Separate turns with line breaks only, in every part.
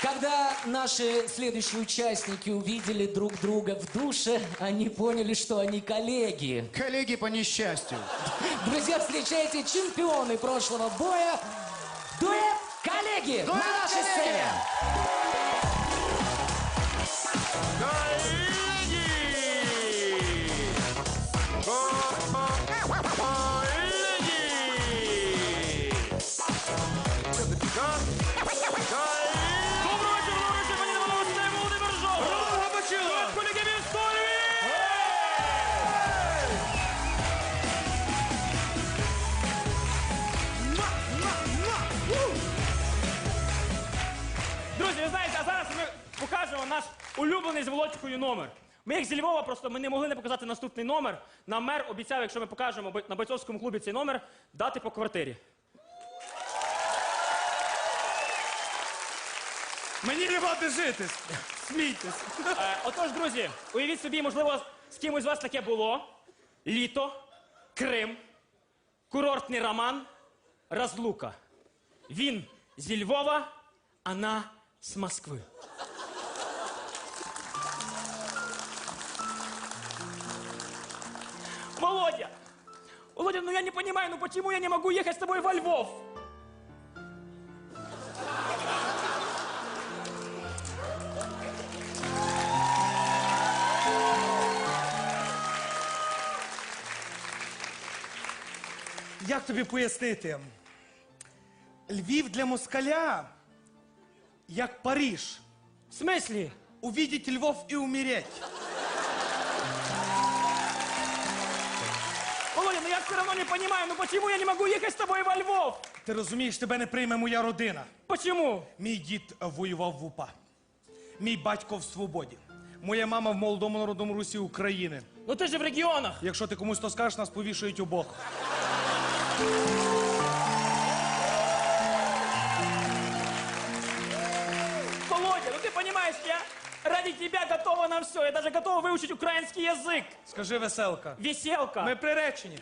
Когда наши следующие участники увидели друг друга в душе, они поняли, что они коллеги.
Коллеги по несчастью.
Друзья, встречайте чемпионы прошлого боя. Дуэт «Коллеги» на нашей сцене.
Друзі, ви знаєте, а зараз ми покажемо наш улюблений з Володькою номер. Ми як зі Львова, просто ми не могли не показати наступний номер. Нам мер обіцяв, якщо ми покажемо на бойцовському клубі цей номер, дати по квартирі.
Мені нема де жити. Смійтесь.
Отож, друзі, уявіть собі, можливо, з кимось з вас таке було. Літо, Крим, курортний роман, розлука. Він зі Львова, вона з Москви. Володя! Володя, ну я не понимаю, ну почему я не могу ехать с тобой во Львов?
Як тобі пояснити? Львів для москаля, як Париж.
В смысле?
Увидеть Львов і умереть.
Володя, ну я все равно не понимаю, ну почему я не могу ехать с тобой во Львов?
Ти розумієш, тебе не прийме моя родина.
Почему?
Мій дід воював в УПА. Мій батько в свободі. Моя мама в молодому народному Русі України.
Ну ты же в регионах.
Якщо ти комусь то скажеш, нас повішують обох.
Володя, ну ты понимаешь, я ради тебя готова на все. Я даже готова выучить украинский язык.
Скажи, веселка.
Веселка.
Ми приречені.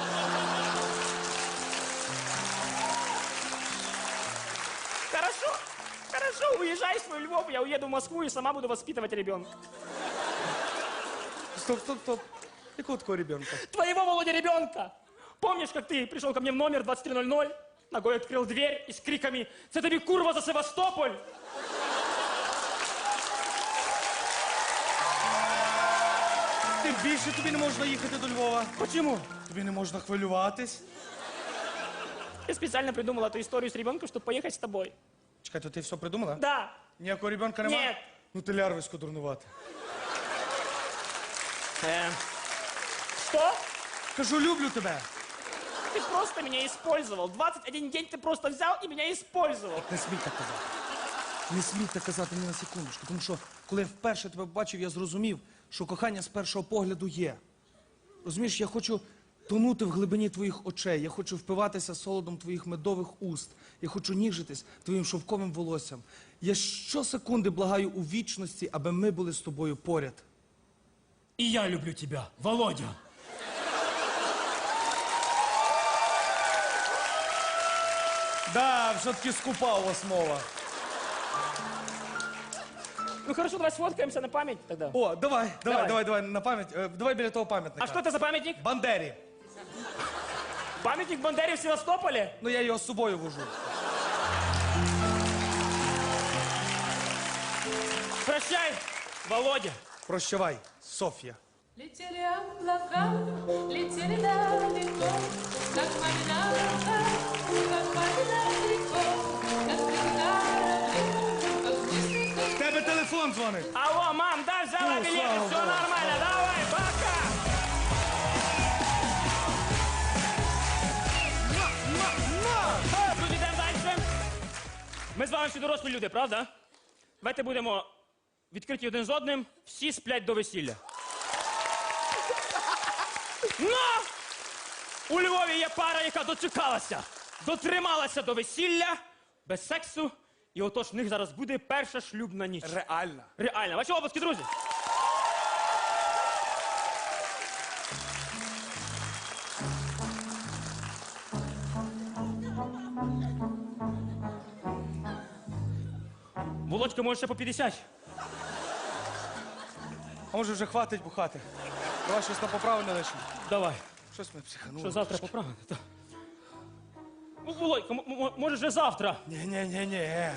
Хорошо, хорошо, уезжай в свой Львов, я уеду в Москву и сама буду воспитывать ребенка.
Стоп, стоп, стоп. Якого такого ребенка?
Твоего, Володя, ребенка. Помнишь, как ты пришел ко мне в номер 23:00, ногой открыл дверь и с криками «Це тобі курва за Севастополь!»
Тим більше тобі не можна їхати до Львова.
Почему?
Тобі не можна хвилюватись.
Я специально придумала эту историю с ребенком, чтобы поехать с тобой.
Чекай, то ти все придумала?
Да.
Ніякого ребенка нема?
Ні.
Ну ти лярвисько дурнувати.
Что?
Кажу, люблю тебе.
Ты просто меня использовал. 21 день ты просто взял и меня использовал.
Не смій так казати. Не смій так казати ні на секундочку. Тому що, коли я вперше тебе побачив, я зрозумів, що кохання з першого погляду є. Розумієш, я хочу тонути в глибині твоїх очей. Я хочу впиватися солодом твоїх медових уст. Я хочу ніжитись твоїм шовковим волоссям. Я щосекунди благаю у вічності, аби ми були з тобою поряд.
И я люблю тебя, Володя.
Да, все-таки скупа у вас мова.
Ну хорошо, давай сфоткаемся на память тогда.
О, давай,
Давай.
на пам'ять. Давай біля того пам'ятника.
А что это за памятник?
Бандері.
Памятник Бандере в Севастополе?
Ну я його з собою вожу.
Прощай, Володя.
Прощавай, Соф'я.
Летели облака, летели далеко, как мамина рука, как мамина трико, как всегда как вместе.
В тебе телефон дзвонить.
Алло, мам, да, взяла
Ну,
билеты,
слава
все
Богу.
нормально, давай, пока. Друзі, йдемо далі. Ми з вами всі дорослі люди, правда? Давайте будемо відкриті один з одним, всі сплять до весілля. Но! У Львові є пара, яка дочекалася, дотрималася до весілля, без сексу, і отож в них зараз буде перша шлюбна ніч.
Реально.
Реально. Ваші обласки, друзі. Володька, може ще по 50.
А може вже хватить бухати? Давай щось на поправне лише.
Давай.
Щось ми психанули.
Що завтра поправити? Так. Ну, Володька, може вже завтра.
Ні.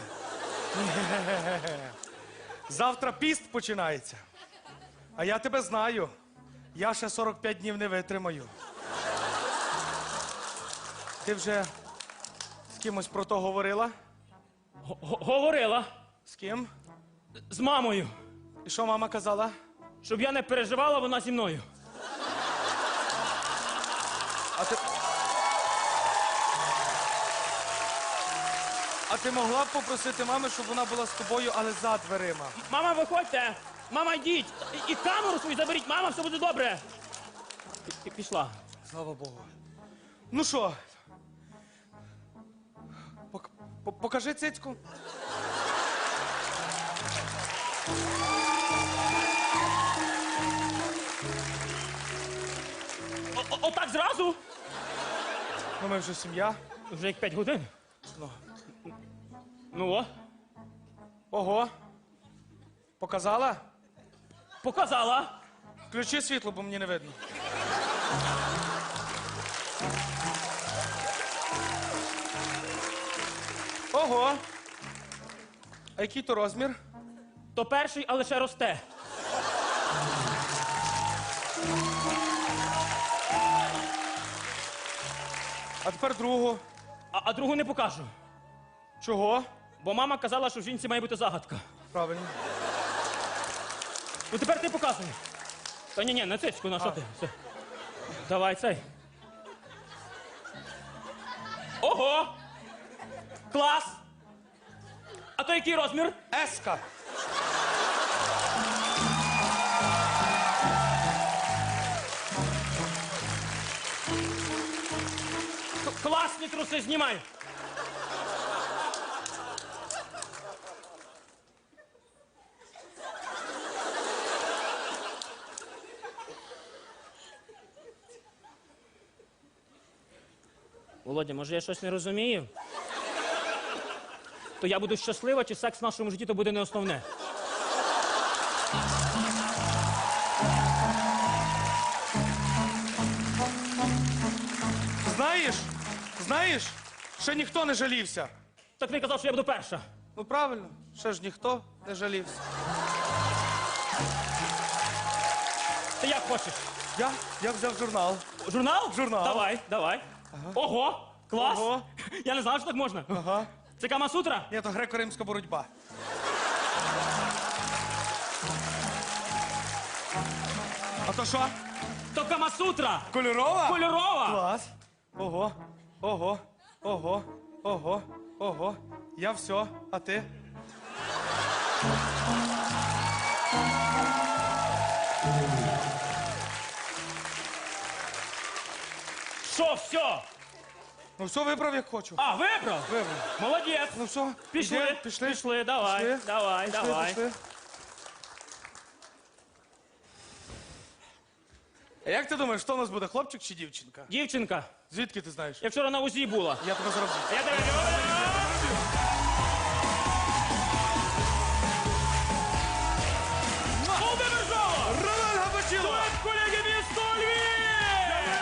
Завтра піст починається. А я тебе знаю. Я ще 45 днів не витримаю. Ти вже з кимось про то говорила?
Говорила
З ким?
з мамою,
І що мама казала?
щоб я не переживала, вона зі мною.
А ти могла б попросити мами, щоб вона була з тобою, але за дверима?
Мама, виходьте! Мама, йдіть! І камеру свою заберіть! Мама, все буде добре! Пішла.
Слава Богу. Ну що? Покажи цицьку.
Отак зразу?
Ну ми вже сім'я.
Вже як 5 годин.
Ну.
Ну о,
Ого. Показала?
показала.
Включи світло, бо мені не видно. Ого. А який то розмір?
То перший, але ще росте.
А тепер другу.
А другу не покажу.
Чого?
Бо мама казала, що в жінці має бути загадка.
Правильно.
Ну тепер ти показуй. Та ні, не цицьку, на що ти? Все. Давай цей. Ого! Клас! А то який розмір?
Еска.
Класні труси, знімай! Володя, може я щось не розумію? То я буду щаслива, чи секс в нашому житті то буде не основне?
Знаєш, ще ніхто не жалівся.
Так ти казав, що я буду перша.
Ну правильно, ще ж ніхто не жалівся.
Ти як хочеш?
Я взяв журнал.
Журнал?
Журнал.
Давай. Ого, клас!
Ого.
Я не знав, що так можна.
Ага.
Це Кама-сутра?
Ні, то греко-римська боротьба. А то що?
То Кама-сутра!
Кольорова?
Кольорова!
Клас. Ого. Я все, а ти?
Що, все?
Ну все, вибрав, як хочу.
А, вибрав?
Вибрав.
Молодець.
Ну все,
Пішли,
йдем, пішли.
Пішли, давай,
Пішли.
давай.
Пішли. А як ти думаєш, хто у нас буде, хлопчик чи дівчинка?
Дівчинка,
Звідки ти знаєш?
я вчора на УЗІ була.
Я тебе зроблю.
Я тебе люблю! Володимир Жова!
Роман Габачило!
Дует колеги місто Львів!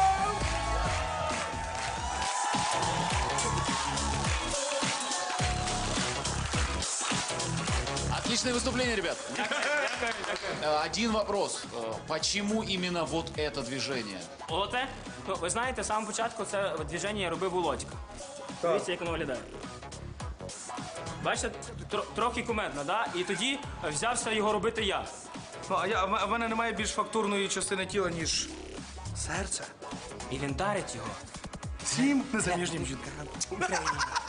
Отличное выступление, ребят. Один вопрос. Почему именно вот это движение?
Оце, ну, ви знаєте, з самого початку це движення я робив Володька. Дивіться, як воно виглядає. Бачите, трохи кумедно, да? І тоді взявся його робити я.
Ну, а в мене немає більш фактурної частини тіла, ніж серце.
І він дарить його.
Всім незаміжнім жінкам.